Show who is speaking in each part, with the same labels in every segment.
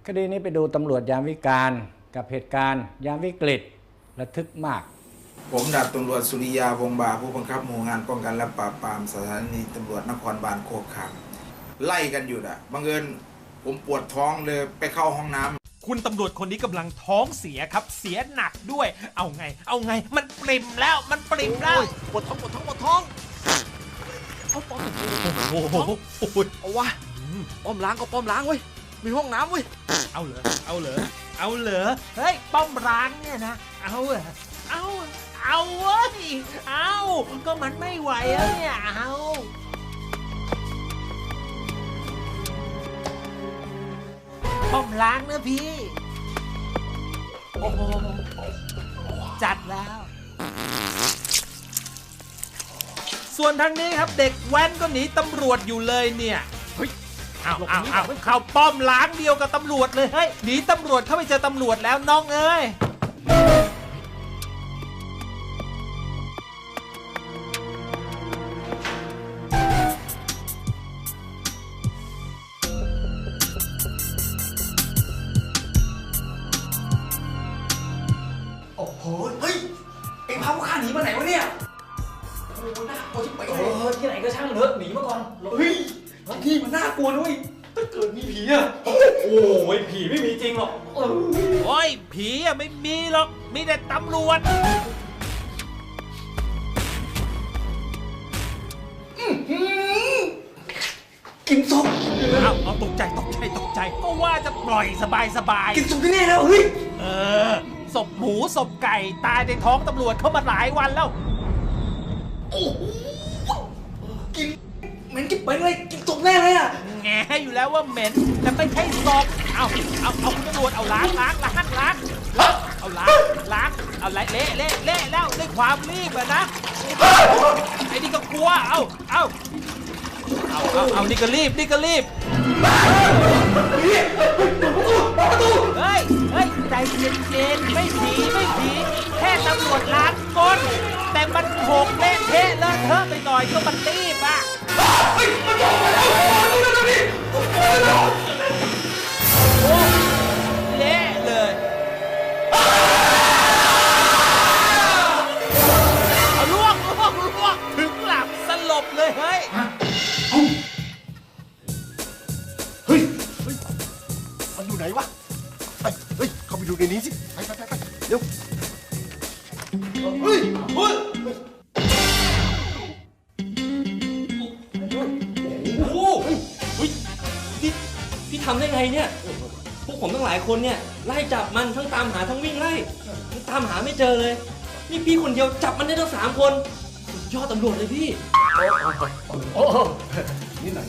Speaker 1: คดีนี้ไปดูตำรวจยามวิกาลกับเหตุการณ์ยามวิกฤตระทึกมาก
Speaker 2: ผมดาบตำรวจสุริยาวงศ์บาผู้บังคับหมู่งานป้องกันและปราบปรามสถานีตำรวจนครบาลโคกขามไล่กันอยู่บังเอิญผมปวดท้องเลยไปเข้าห้องน้ำ
Speaker 3: คุณตำรวจคนนี้กำลังท้องเสียครับเสียหนักด้วยเอาไงมันปริ่มแล้ว
Speaker 4: ปวดท้องเอาป้อม
Speaker 3: โอ้โห
Speaker 4: เอาวะป้อมล้างก็ป้อมล้างเว้ยมีห้องน้ำเว้ย
Speaker 3: เอาเหรอเฮ้ยป้อมล้างเนี่ยนะเอาเว้ยก็มันไม่ไหวแล้วเนี่ยป้อมล้างนะพี่โอ้โหจัดแล้วส่วนทางนี้ครับเด็กแว้นก็หนีตำรวจอยู่เลยเนี่ยเฮ้ยเอาเข้าป้อมล้างเดียวกับตำรวจเลยเฮ้ยหนีตำรวจเข้าไปเจอตำรวจแล้วน้องเอ้ย
Speaker 4: โอ้โหเฮ้ยเอ็งพาพวกข้าหนีมาไหนวะเนี่ยโอ้โหน่ากลัวชิบเป๋เลย
Speaker 5: ที่ไหนก็ช่างเถอะหนีมาก่อน
Speaker 4: เฮ้ยที่มันน่ากลัวด้วยถ้าเกิดมีผีอะ
Speaker 5: โอ้ยผีไม่มีจริงหรอก
Speaker 3: โอ้ยผีอะไม่มีหรอกมีแต่ตำรวจ
Speaker 4: กินศพ
Speaker 3: เอาตกใจก็ว่าจะปล่อยสบาย
Speaker 4: กินศพแน่แล้วเฮ้ย
Speaker 3: ศพหมูศพไก่ตายในท้องตำรวจเข้ามาหลายวันแล้ว
Speaker 4: โอ้โหกินเหม็นกินไปเลยกินศพแน่เลยอะ
Speaker 3: แงอยู่แล้วว่าเหม็นแต่ไม่ใช่ศพเอาคุณตำรวจเอาล้างเอาล้างเอาเละแล้วด้วยความรีบอะนะไอ้นี่ก็กลัวเอานี่ก็รีบเฮ้ยใจเย็นๆไม่ผีแค่ตำรวจล้างก้นแต่มันโหกเละเทะเลอะเทอะไปหน่อยก็มันรีบอ่ะ
Speaker 4: มันบอกมาแล้ว
Speaker 3: โอ้เละเลยเอาลวกถึงหลับสลบเลยเฮ้ย
Speaker 4: มันอยู่ไหนวะเฮ้ยเข้าไปดูในนี้สิไปเร็วเฮ้ย
Speaker 5: โอ้โหพี่ทำได้ไงเนี่ยพวกผมทั้งหลายคนเนี่ยไล่จับมันทั้งตามหาทั้งวิ่งไล่ตามหาไม่เจอเลยนี่พี่คนเดียวจับมันได้ทั้ง3 คนยอดตำรวจเลยพี่
Speaker 4: โอ้นี่ไหน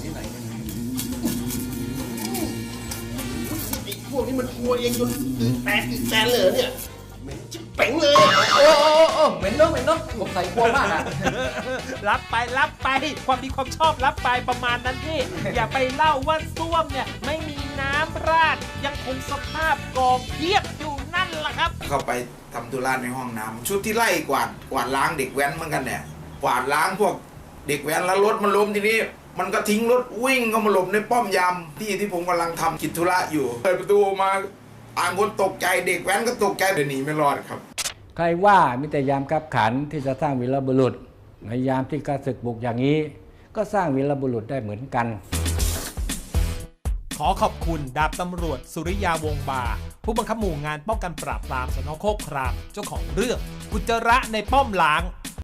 Speaker 4: พวกนี้มันกลัวเองจนแตกอีกแตนเลยเนี่ยเหม็นจิ๊บเป๋งเลย
Speaker 5: เหม็นเนาะผมใส่กลัวมากอะ
Speaker 3: รับไปความดีความชอบรับไปประมาณนั้นพี่อย่าไปเล่าว่าส้วมเนี่ยไม่มีน้ำราดยังคงสภาพกองเพียบอยู่นั่นแหละครับ
Speaker 2: เข้าไปทำธุระในห้องน้ำชุดที่ไล่กวาดล้างเด็กแว้นเหมือนกันเนี่ยกวาดล้างพวกเด็กแว้นแล้วรถมันล้มทีนี้มันก็ทิ้งรถวิ่งเข้ามาหลบในป้อมยามที่ผมกำลังทำกิจธุระอยู่เปิดประตูมาต่างคนตกใจเด็กแว้นก็ตกใจเดินหนีไม่รอดครับ
Speaker 1: ใครว่ามิตรยามกักขันที่จะสร้างวีรบุรุษในยามที่กระศึกบุกอย่างนี้ก็สร้างวีรบุรุษได้เหมือนกัน
Speaker 3: ขอขอบคุณดาบตำรวจสุริยาวงศ์บาผู้บังคับหมู่งานป้องกันปราบปรามสน.โคกครามเจ้าของเรื่องอุจจาระในป้อมล้าง